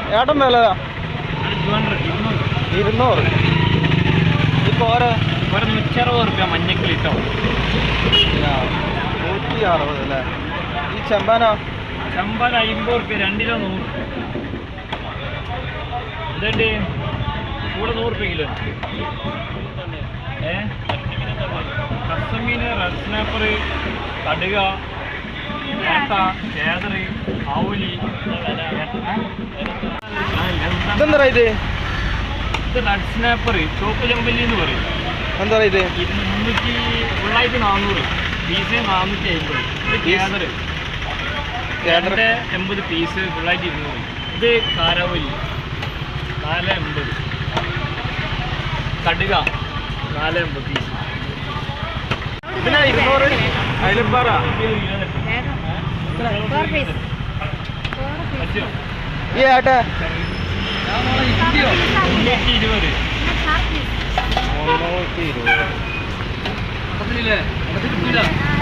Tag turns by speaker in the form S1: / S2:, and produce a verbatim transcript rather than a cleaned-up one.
S1: ഏട്ടൻ വില ഇരുന്നൂറ്. ഇപ്പോൾ ഓരോ
S2: ഒരു നൂറ്ററുപത് റുപ്യ മഞ്ഞക്കിൽ ഇട്ടോ.
S1: നൂറ്റി അറുപത് അല്ലേ? ഈ ചെമ്പാനോ?
S2: ചെമ്പാൻ അമ്പത് റുപ്യ രണ്ടിലോ നൂറ്. ഇതുണ്ട് കൂടെ നൂറ് റുപ്യ കിലോ. ഏ കസമീന്, റെഡ് സ്നാപ്പർ, കടുക, ഏട്ട, ചേതറ്, ആവൂലി.
S1: ഇതെന്താ ഇത്?
S2: ഇത് റെഡ് സ്നാപ്പർ ചോപ്പ് ചെമ്പല്ലി എന്ന് പറയും.
S1: എന്താ ഇത്?
S2: ഇത് മുന്നൂറ്റി ഫുള്ളായിട്ട് നാന്നൂറ് പീസ്, നാനൂറ്റി അമ്പത്. ഇത് കേദർ കേദറിൻ്റെ എൺപത് പീസ് ഫുള്ളായിട്ട് ഇരുന്നൂറ്. ഇത് കാരാവലി നാല് എൺപത്. കടുക നാല് എൺപത് പീസ്.
S1: ഇതിനാ ഇരുന്നൂറ്. അയിലപ്പാറ ഈ ഏട്ടാ
S2: മുന്നൂറ്റി ഇരുപത്.
S1: മുന്നൂറ്റി ഇരുപത്.